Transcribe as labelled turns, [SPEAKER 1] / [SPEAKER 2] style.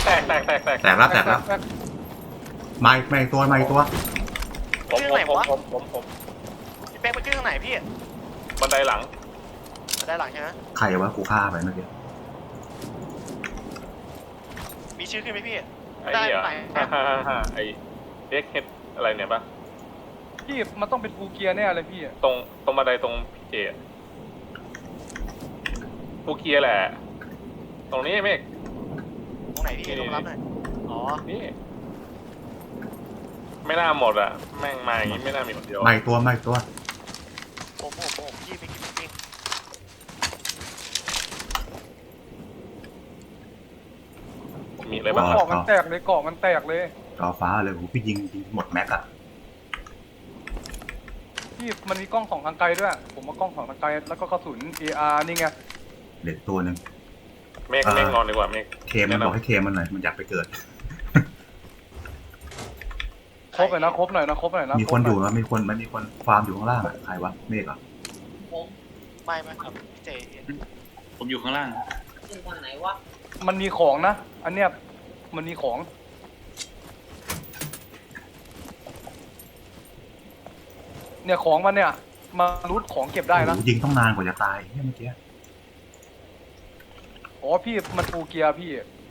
[SPEAKER 1] แตกแล้วมาอีกตัว
[SPEAKER 2] ขึ้นไหนวะพี่เป๊กไปขึ้นทางไหนพี่
[SPEAKER 3] บันไดหลัง
[SPEAKER 2] ได้หลังใช่ไหม
[SPEAKER 1] ใครวะกูฆ่าไปเมื่อกี้
[SPEAKER 2] มีชื่อขึ้นไหมพี่
[SPEAKER 3] ไอ้
[SPEAKER 2] ได้
[SPEAKER 3] เนี่ย
[SPEAKER 2] ไหน
[SPEAKER 3] ไอ้เด็กเฮดอะไรเนี่ยปะ
[SPEAKER 4] พี่มันต้องเป็นฟูเกียร์แน่เลยพี่
[SPEAKER 3] ตรงบันไดตรงพีเจฟูเกียแหละ ตรงนี้เมฆ
[SPEAKER 2] ตรงไหนพี่ลงรับหน่อยอ๋อ
[SPEAKER 3] นี่ไม่น่าหมดอ่ะแม่งมาอย่างงี้ไม่น่ามีคนเดียว
[SPEAKER 1] มาอีกตัว
[SPEAKER 2] ผมพี่ไปกินปิ้ง
[SPEAKER 3] มีอะไรบ้าง
[SPEAKER 4] เกาะมันแตกเลย
[SPEAKER 1] จอฟ้าเลยโหพี่ยิงหมดแม็กอะ
[SPEAKER 4] พี่มันมีกล้องสองทางไกลด้วยผมมากล้องสองทางไกลแล้วก็กระสุน AR นี่ไง
[SPEAKER 1] เหลือตัวหนึ่ง
[SPEAKER 3] เมฆนอนดีกว่าเมฆ
[SPEAKER 1] เคมันบอกให้เคมันหน่อยมันอยากไปเกิด
[SPEAKER 4] ครบหน่อยนะ
[SPEAKER 1] มีคนอยู่นะมันมีคนฟาร์มอยู่ข้างล่างอะใครวะเมฆเหรอ
[SPEAKER 2] ไม่ครับพี่เจ
[SPEAKER 5] ผมอยู่ข้างล่าง
[SPEAKER 6] ขึ้นทางไหนวะ
[SPEAKER 4] มันมีของนะ อันเนี้ยมันมีของเนี่ยของมันเนี่ยมารูทของเก็บได้นะ
[SPEAKER 1] โอ้โหยิงต้องนานกว่าจะตายเมื่อกี้
[SPEAKER 4] อ๋อพี่มันฟูเกียร์พี่